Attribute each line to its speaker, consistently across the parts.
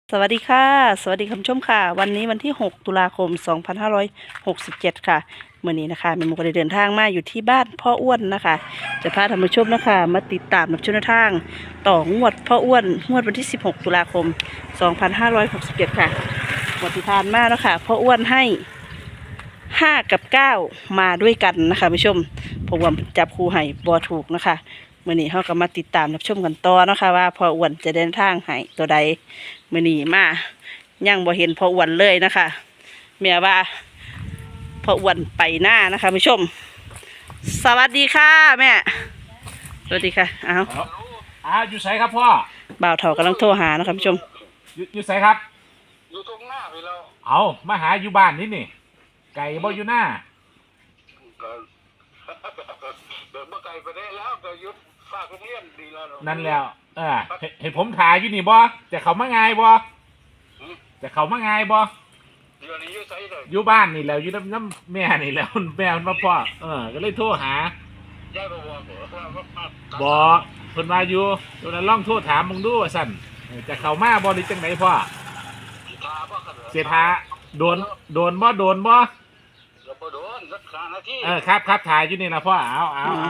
Speaker 1: สวัสดีค่ะสวัสดีคุณผู้ชมค่ะวันนี้วันที่6ตุลาคม2567ค่ะเมื่อนี้นะคะแม่หมูก็ได้เดินทางมาอยู่ที่บ้านพ่ออ้วนนะคะจะพาท่านผู้ชมนะคะมาติดตามรับชมแนวทางต่องวดพ่ออ้วนงวดวันที่16ตุลาคม2567ค่ะงวดที่ผ่านมาแล้วค่ะพ่ออ้วนให้5กับ9มาด้วยกันนะคะผู้ชมผมว่าจับคู่ให้บ่ถูกนะคะเมื่อนี้เขาก็มาติดตามรับชมกันต่อนะคะว่าพ่ออ้วนจะเดินทางให้ตัวใดมื่อนี้มายังบ่เห็นพ่ออ้วนเลยนะคะแม่ว่าพ่ออ้วนไปหน้านะคะผู้ชมสวัสดีค่ะแม่สวัสดีค่ะ
Speaker 2: อยู่ไสครับพ่อ
Speaker 1: บ่าวเฒ่ากำลังโทรหานะคะผู้ชม
Speaker 2: อยู่ไสครับ
Speaker 3: อยู่ตรงหน้าไปแล้ว
Speaker 2: เอามาหาอยู่บ้านนี่ไก่บ่อยู่หน้า
Speaker 3: ก็เดินมาไกลไปได้แล้วก็ยุดฝากโรงเรียนดีแล้ว
Speaker 2: นั่นแล้วเห็นผมถ่ายอยู่นี่บ่จะเขามาไงบ่จะเขามาไงบ่
Speaker 3: อยู่นี่อยู่ไสเลย
Speaker 2: อยู่บ้านนี่แล้วอยู่น้ำแม่นี่แล้วแม่มาพ่อก็เลยโทรหา
Speaker 3: ย่าบอก
Speaker 2: บอกเพิ่นว่าอยู่ตัวนั้นลองโทรถามมึงดูว่าสั่นจะเข้ามาบ่หรือจังไดพ่อเสียท้าโดนบ่โดนบ่
Speaker 3: โดนรักษาหน้าที่
Speaker 2: ครับถ่ายอยู่นี่นะพ่อเอา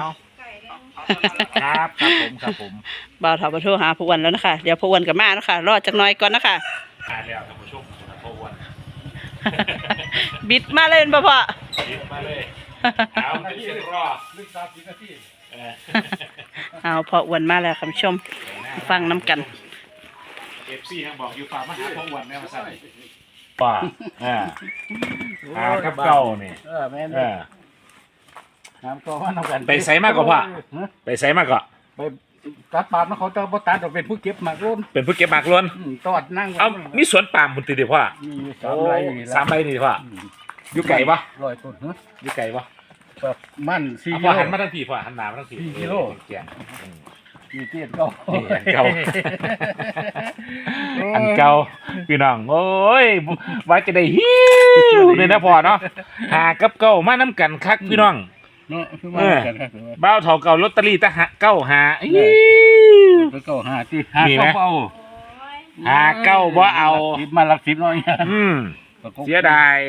Speaker 2: ครับผม
Speaker 1: บ่าวเฒ่ามาโทรหาพ่ออ้วนแล้วนะคะเดี๋ยวพ่ออ้วนกับมานะคะรอจักหน่อยก่อนนะคะ
Speaker 2: แล้วท่านผู้ชมพ่ออ้วน
Speaker 1: บิดมาเลยบ่พ่อ
Speaker 2: บิดมาเลยเอาเดี๋ยวรอลึก30 นาที
Speaker 1: เอาพ่ออ้วนมาแล้วคุณผู้ชมฟังน้ำกัน
Speaker 2: FC ทางบอกอยู่ฝากมาหาพ่ออ้วนแม่มาสั่นป่ากับเก่านี่
Speaker 3: แม่น้ำก็ว่าน้ำกัน
Speaker 2: ไปใส่มากกว่าพ่อไปใส่มากกว่า
Speaker 3: ไปตัดปาล์มเขาจะบ่ตัดเราเป็นผู้เก็บหมากล้น
Speaker 2: เป็นผู้เก็บหมากล้น
Speaker 3: ตอดนั่ง
Speaker 2: เอามีสวนปาล์มบุญตีเดียวพ่อ
Speaker 3: มี
Speaker 2: 3 ไร่นี่พ่ออยู่ไก่ปะ
Speaker 3: 100 ต้น
Speaker 2: อยู่ไก่ปะ
Speaker 3: มัน4
Speaker 2: กิโลหันมาทั้งทีพ่อหันหน้ามาทั้งที
Speaker 3: 4 กิโลมีเตี้ยเก่า
Speaker 2: อันเก่าพี่น้องโอ้ยว่าจะได้ฮิวเลยนะพ่อเนาะหากับเก่ามาน้ำกันคักพี่น้องบ้าวเฒ่าเก่าลอตเตอรี่ตะเก้าหา
Speaker 3: เก้าหาที่หาเก้าเอา
Speaker 2: หาเก้าบ่เอา
Speaker 3: มาหลัก10น้อย
Speaker 2: เสียดาย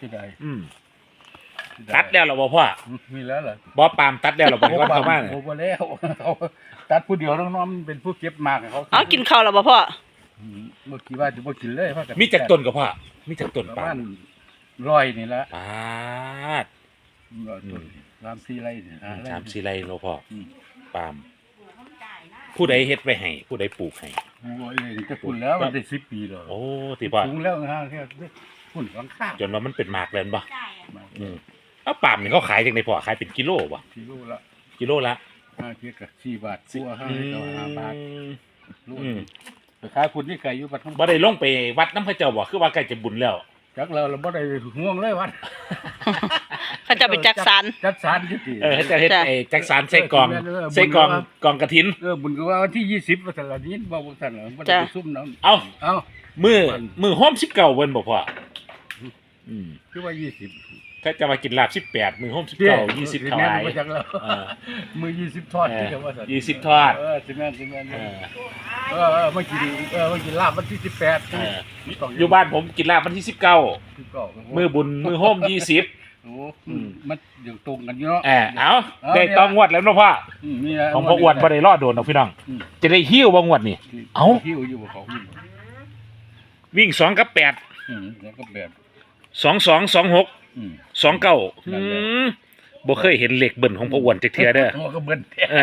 Speaker 2: ตัดแล้วหรอพ่อ
Speaker 3: มีแล้วเหรอ
Speaker 2: บ่ปามตัดแล้วหรอบ่เข้ามา
Speaker 3: โอ้บ่แล้วตัดผู้เดียวน้องๆเป็นผู้เก็บมากเขา
Speaker 1: เอากินข้าวแล้วบ่พ่อ
Speaker 3: เมื่อกี้ว่าจะบ่กินเลย
Speaker 2: มีจักต้นกับพ่อมีจักต้นปาล์ม
Speaker 3: 100นี่ละ
Speaker 2: ปาด
Speaker 3: 3-4 ไร่นี่
Speaker 2: 3-4 ไร่เนาะพ่อปาล์มผู้ใดเฮ็ดไว้ให้ผู้ใดปลูกให้
Speaker 3: โอ้ยจะปลูกแล้วมันได้10 ปีแล้ว
Speaker 2: โอ้ติพ่อ
Speaker 3: ปลูกแล้วฮะแค่พุ่นหลังคา
Speaker 2: จนว่ามันเป็นหมากแล้วบ่เอาปาล์มนี่เขาขายจังได๋พ่อขายเป็นกิโลบ่กิโลละ
Speaker 3: เทียบกับ4 บาทตัว5 บาทขายพุ่นนี่ไก่อยู่บัด
Speaker 2: บ่ได้ลงไปวัดน้ำพระเจ้าบ่คือว่าใกล้จะบุญแล้ว
Speaker 3: จักเราบ่ได้ห่วงเลยวัด
Speaker 1: เขาจะไปจักสาร
Speaker 3: อยู่ติ
Speaker 2: จะเฮ็ดจักสารใส่กองกฐิน
Speaker 3: บุญก็ว่าวันที่20ว่าซั่นล่ะนี่บ่ซั่นล่ะบ่ได้ไปซุ่มน้
Speaker 2: ำเอามื้อโฮม19เบิ่นบ่พ่อ
Speaker 3: คือว่า20
Speaker 2: ถ้าจะมากินลาบ18มื้อโฮม19 20เท่าไหร่
Speaker 3: มื้อ20ทอดที่ว่าซั่น
Speaker 2: 20ทอด
Speaker 3: สิแม่นมากินลาบวันที่18
Speaker 2: อยู่บ้านผมกินลาบวันที่19มื้อบุญมื้อโฮม20
Speaker 3: โอ้มันอยู่ตรงกันอยู่เนาะ
Speaker 2: เอาได้ต้องงวดแล้วเนาะพ่อของพ่ออ้วนบ่ได้รอดโดนเนาะพี่น้องจะได้หิ้วบ่งวดนี่เอ้า
Speaker 3: หิ้วอยู่บ่เขา
Speaker 2: วิ่ง2กับ8
Speaker 3: แล้วก็แบบ
Speaker 2: 22 26 29บ่เคยเห็นเลขเบิ่นของพ่ออ้วนจักเทื่อเด้อ
Speaker 3: ก็เบิ่น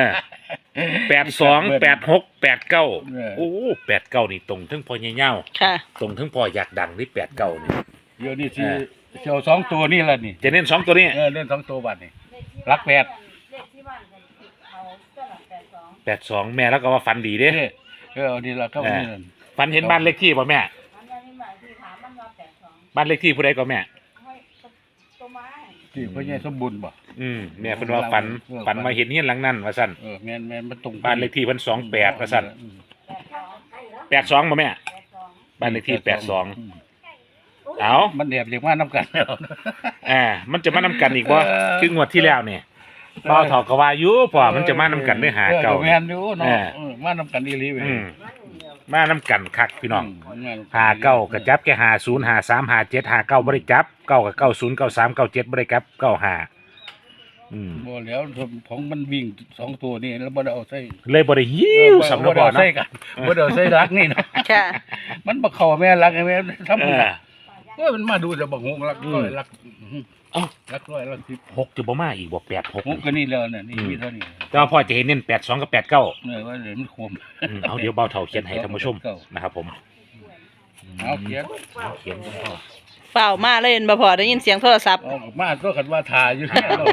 Speaker 2: 82 86 89โอ้89นี่ตรงถึงพ่อใหญ่ยาวตรงถึงพ่ออยากดังนี่89นี่
Speaker 3: เดี๋ยวนี้สิเจ้า2ตัวนี่ล่ะนี่
Speaker 2: จะเน้น2ตัวนี้
Speaker 3: เน้น2ตัวบัดนี่รัก8
Speaker 2: 82แม่แล้วก็ว่าฝันดีเด้
Speaker 3: นี่ล่ะก็นี่
Speaker 2: ฝันเห็นบ้านเลขที่บ่แม่บ้านเลขที่ผู้ใดก็แม่
Speaker 3: ที่พ่อใหญ่สมบูรณ์บ่
Speaker 2: แม่เพิ่นว่าฝันมาเห็นเฮียนหลังนั้นว่าซั่น
Speaker 3: แม่นมันตรง
Speaker 2: บ้านเลขที่เพิ่น28ว่าซั่น82บ่แม่บ้านเลขที่82เอา
Speaker 3: มันแอบเรียกมานํกันแล้ว
Speaker 2: มันจะมานํกันอีกบ่คืองวดที่แล้วนี่บ่าวเฒ่าก็ว่าอยู่พ่อมันจะมานํกันเด้อหาเก่า
Speaker 3: แม่นอยู่เนาะมานํกันอีหลีเว้ย
Speaker 2: มาน้ำกันคักพี่น้องหาเก้ากระจับแค่50 53 57 59บริจับเก้ากับ90 93 97บริจับ95
Speaker 4: บ่แล้วของมันวิ่ง2ตัวนี่แล้วบ่ได้เอาใส่
Speaker 2: เลยบริหิวสำนักบอล
Speaker 4: ใส่
Speaker 2: เนาะ
Speaker 4: กันบ่ได้เอาใส่รักนี่เนาะ
Speaker 1: ค่ะ
Speaker 4: มันบ่เข้าแม่รักแม่ทำมันมาดูจะบ่ฮู้รักร้อยรักรักร้อยรัก10
Speaker 2: 6จะบ่มาอีกบ่8 6
Speaker 4: ก็นี่แล้วน่ะนี่มีเท่านี้
Speaker 2: แต่ว่าพ่อจะเห็นเน้น82กับ89
Speaker 4: ว่าเดี๋ยวมันคม
Speaker 2: เอาเดี๋ยวเบาเท่าเขียนให้ท่านผู้ชมนะครับผม
Speaker 4: เอาเขียน
Speaker 2: เขียนคุณพ่อ
Speaker 1: เปล่ามาเลยเห็นบ่พอได้ยินเสียงโทรศัพท์
Speaker 4: เอามาก็คันว่าถ่ายอยู่เนี่ยเรา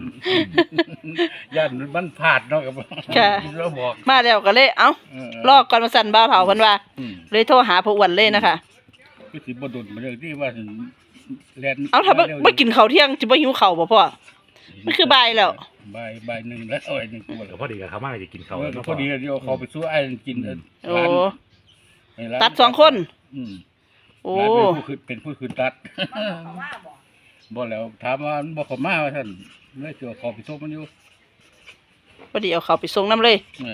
Speaker 4: ย่านมันพลาดเนาะกับเราบอก
Speaker 1: มาแล้วก็เลยเอ้าลอกก่อนมาสั่นบ่าวเฒ่าเพิ่นว่า เลยโทรหาพ่ออ้วนเลยนะคะ
Speaker 4: คือสิบ่ดุนมาเลยที่ว่าแล่น
Speaker 1: เอ้าถ้าบ่กินข้าวเที่ยงสิบ่หิวข้าวบ่พ่อมันคือบ่ายแล้ว
Speaker 4: บ่ายหนึ่งแล้วไอ้หนึ่งตัว
Speaker 2: เดี๋ยวพอดีกับเขามาจะกินเขาว
Speaker 4: พอดีเดี๋ยวเขาไปสู้ไอ้กิน
Speaker 1: โอ้ตัด2 คนโอ้
Speaker 4: เป็นผู้คืนตัดบ่แล้วถามว่าบ่เข้ามาว่าท่านเลยตัวเขาไปส่งมันอยู่
Speaker 1: พอดีเอาข้าวไปส่งน้ำเลย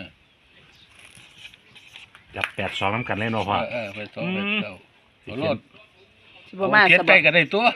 Speaker 2: จับ82น้ำกันเลยเนาะพ่อ
Speaker 4: ไปส่งไปเจ้าโลด
Speaker 1: สิบ่มา
Speaker 4: เขียน
Speaker 1: ส
Speaker 4: ใจ
Speaker 1: บาย
Speaker 4: ก็ได้ตัว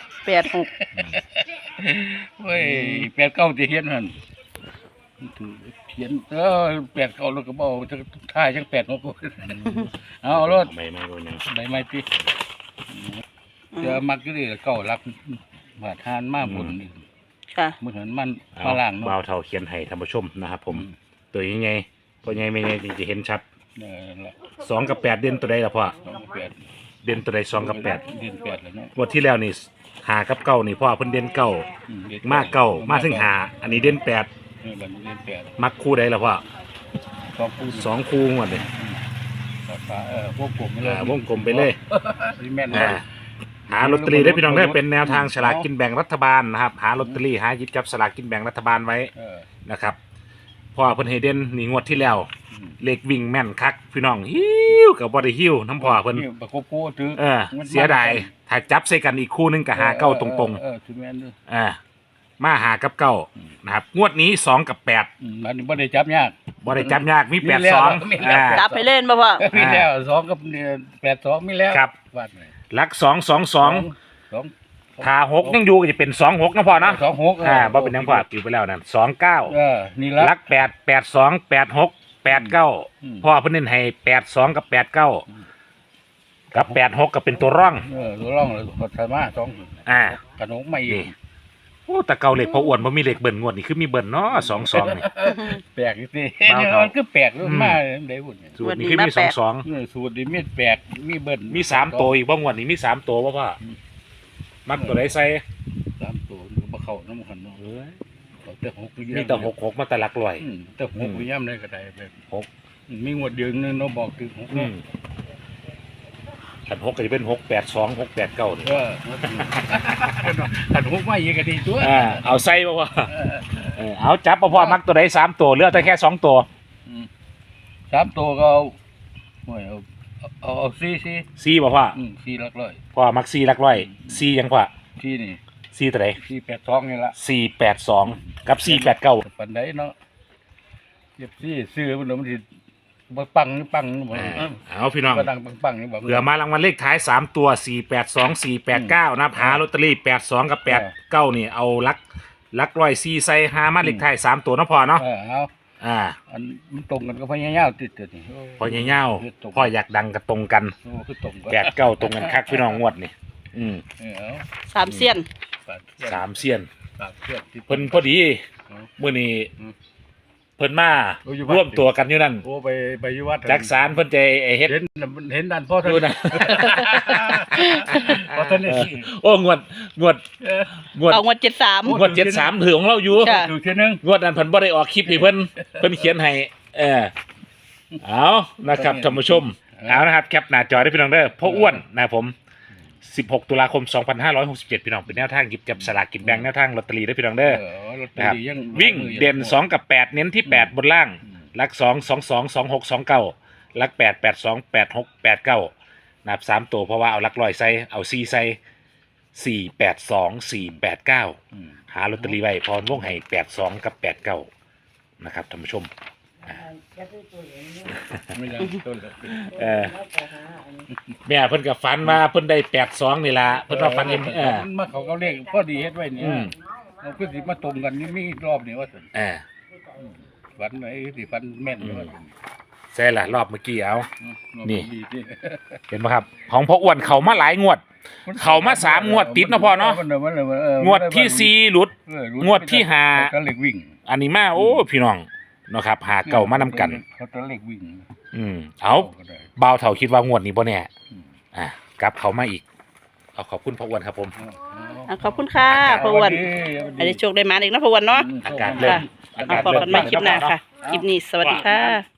Speaker 1: 86
Speaker 4: เว้ย89สิเขียนหั่นเขียน89แล้วก็บ่จะท่ายจัง86เอารถ
Speaker 2: ไม่โดนยัง
Speaker 4: ใบไม้ติจะมักอยู่ดิเก่ารักบาดทานมาบุญนี่
Speaker 1: ค่ะ
Speaker 4: มื้อนั้นมันฝรั่ง
Speaker 2: เบา
Speaker 4: เนาะ
Speaker 2: เท่าเขียนให้ท่านผู้ชมนะครับผมตัวยังไงพอยังไม่ไงจะเห็นชัด
Speaker 4: นั่นล่ะ
Speaker 2: 2กับ8เด่นตัวใดล่ะพ่อ
Speaker 4: 28
Speaker 2: เด่นตัวใด2กับ8
Speaker 4: เดือน8แล้วเนาะ
Speaker 2: งวดที่แล้วนี่5กับ9นี่พ่อเพิ่นเด่น9มา9มาถึง5อันนี้เด่น8
Speaker 4: บัดนี้เดือน8
Speaker 2: มักคู่ใดล่ะพ่อ
Speaker 4: 2คู่
Speaker 2: 2คู่งวดเลย
Speaker 4: พวกผมไปเลยว
Speaker 2: งกลมไปเลย
Speaker 4: แม่น
Speaker 2: หาลอตเตอรี่ได้พี่น้องได้เป็นแนวทางฉลากกินแบ่งรัฐบาลนะครับหาลอตเตอรี่หาหยิบจับฉลากกินแบ่งรัฐบาลไว้นะครับเพราะว่าเพิ่นให้เด่นนี่งวดที่แล้วเลขวิ่งแม่นคักพี่น้องหิวกับบ่ได้หิวน้ำพ่อเพิ่น
Speaker 4: ประกบคู่ถือ
Speaker 2: เสียดายถ้าจับใส่กันอีกคู่หนึงก็หาเก้าตรงๆ
Speaker 4: ถือแม่นด้วย
Speaker 2: มาหากับเก้านะครับงวดนี้2กับ8
Speaker 4: อันนี้บ่ได้จับยาก
Speaker 2: บ่ได้จับยากมี
Speaker 4: มีแล้ว
Speaker 2: 82
Speaker 4: มีแล้ว
Speaker 1: จับไปเล่นบ่พ่อ
Speaker 4: มีแล้ว2กับ82มีแล้ว
Speaker 2: ครับ
Speaker 4: วาดไว้
Speaker 2: หลัก2 22
Speaker 4: 2
Speaker 2: ถ้า6ยังอยู่ก็จะเป็น26นะพ่อเนาะ
Speaker 4: 26
Speaker 2: บ่เป็นหยังพ่ออยู่ไปแล้วนั่น29
Speaker 4: นี่ละ
Speaker 2: ลัก8 82 86 89พ่อเพิ่นเน้นให้82กับ89กับ86ก็เป็นตัวร่อง
Speaker 4: ตัวร่องเลยก็สามารถ2ขนมใหม่อีก
Speaker 2: โอ้แต่เก่าเหล็กพออ้วนบ่มีเหล็กเบิ่นงวดนี่คือมีเบิ่นเนาะ22นี่
Speaker 4: แปลกสิมันคือแปลกมาได้บุญ
Speaker 2: สูตรนี้คือมี22
Speaker 4: สูตรนี้มีแปลกมีเบิ้ล
Speaker 2: มี3ตัวอีกบ่งวดนี้มี3ตัวบ่พ่อมักตัวใดใส่
Speaker 4: 3ตัวบ่เข้าน้ำขันเนาะแต่6
Speaker 2: มีแต่66มาแต่หลักร้อย
Speaker 4: แต่6ย่ำได้ก็ได้แบบ6มีงวดเดือนนึงเนาะบอกถึง6
Speaker 2: ขัน6ก็จะเป็น682 689นี่
Speaker 4: ขัน6มาอีกก็ดีตัว
Speaker 2: เอาใส่บ่พ่อเอาจับบ่พ่อมักตัวใด3ตัวเหลือแต่แค่2ตัว
Speaker 4: 3ตัวก็เอา4
Speaker 2: 4บ่พ่อ
Speaker 4: 4หลักร้อย
Speaker 2: พ่อมัก4หลักร้อย4ยังพ่อ
Speaker 4: 4นี่
Speaker 2: 4ตัวใด
Speaker 4: 482นี่ละ
Speaker 2: 482กับ489
Speaker 4: ปันไดเนาะเจ็บซื้อมันสิบ่ปังบ่
Speaker 2: เอาพี่น้อง
Speaker 4: ก็ดังปังนี่บ่
Speaker 2: เผื่อมารางวัลเลขท้าย3ตัว482 489นะครับหาลอตเตอรี่82กับ89นี่เอาลักร้อย4ใส่หามาเลขท้าย3ตัวเนาะพ่อเนาะ
Speaker 4: เอาอันมันตรงกันก็พยายามติดนี่
Speaker 2: พ่อใหญ่ๆพ่ออยากดังก็ตรงกัน
Speaker 4: คือตรงกัน
Speaker 2: 89ตรงกันคักพี่น้องงวดนี่
Speaker 4: เอา
Speaker 1: 3 เสี้ยน
Speaker 2: 3เซียน
Speaker 4: 3
Speaker 2: เพิ่นพอดีมื้อนี้เพิ่นมาร่วมตัวกันอยู่นั่น
Speaker 4: โอ้ไปอยู่วัด
Speaker 2: จักสารเพิ่นจะเฮ็ด
Speaker 4: เห็นดันพ่อท่าน
Speaker 2: ดูนะ
Speaker 4: พ่อท่านนี่
Speaker 2: โอ้งวด
Speaker 1: เอางวด73
Speaker 2: งวด73ถือของเราอยู่
Speaker 1: ค่ะ
Speaker 4: ถูกเท่านึง
Speaker 2: งวดนั้นเพิ่นบ่ได้ออกคลิปนี่เพิ่นเขียนให้เอานะครับท่านผู้ชมเอานะครับแคปหน้าจอได้พี่น้องเด้อพ่ออ้วนนะครับผม16 ตุลาคม 2567พี่น้องเป็นแนวทางหยิบจับสลากกินแบ่งแนวทางลอตเตอรี่ได้พี่น้องเด้อนะครับวิ่งเด่น2กับ8เน้นที่8บนล่างหลัก2 22 26 29หลัก8 82 86 89นะครับ3ตัวเพราะว่าเอาหลักร้อยใส่เอา4ใส่4 82 4 89หาลอตเตอรี่ไว้พรวงให้82กับ89นะครับท่านผู้ชม
Speaker 4: ไม่ยังต้นเลย
Speaker 2: แม่เพิ่นก็ฝันว่าเพิ่นได้82นี่ล่ะเพิ่นว่าฝันเห็น
Speaker 4: มันมาเขาเลขพอดีเฮ็ดไว้เนี่ย
Speaker 2: อืม
Speaker 4: เราคือสิมาตรงกันนี่มีรอบนี่ว่าซั่นฝันไหนสิฝันแม่นว่าซั่น
Speaker 2: ใช่ล่ะรอบเมื่อกี้เอา
Speaker 4: รอบ
Speaker 2: นี่
Speaker 4: ดีที่
Speaker 2: เห็นไหมครับ ของพ่ออ้วนเขามาหลายงวด เขามา3 งวดติดนะพ่อเนาะงวดที่4หลุด งวดที่ห้า
Speaker 4: ก็เลขวิ่ง
Speaker 2: อันนี้มาโอ้พี่น้องเนาะครับหาเก่ามานำกัน
Speaker 4: เขาตัวเลขวิ่ง
Speaker 2: เอา
Speaker 4: ก็ได้
Speaker 2: บ่าวเฒ่าคิดว่างวดนี้บ่แน่
Speaker 4: อืม
Speaker 2: กลับเขามาอีกเอาขอบคุณพ่ออ้วนครับผม
Speaker 1: ขอบคุณค่ะพ่ออ้วนให้ได้โชคได้มาอีกนะพ่ออ้วนเนาะ
Speaker 2: อากาศเริ่ม
Speaker 1: เอาพบกันใหม่คลิปหน้าค่ะ คลิปนี้สวัสดีค่ะ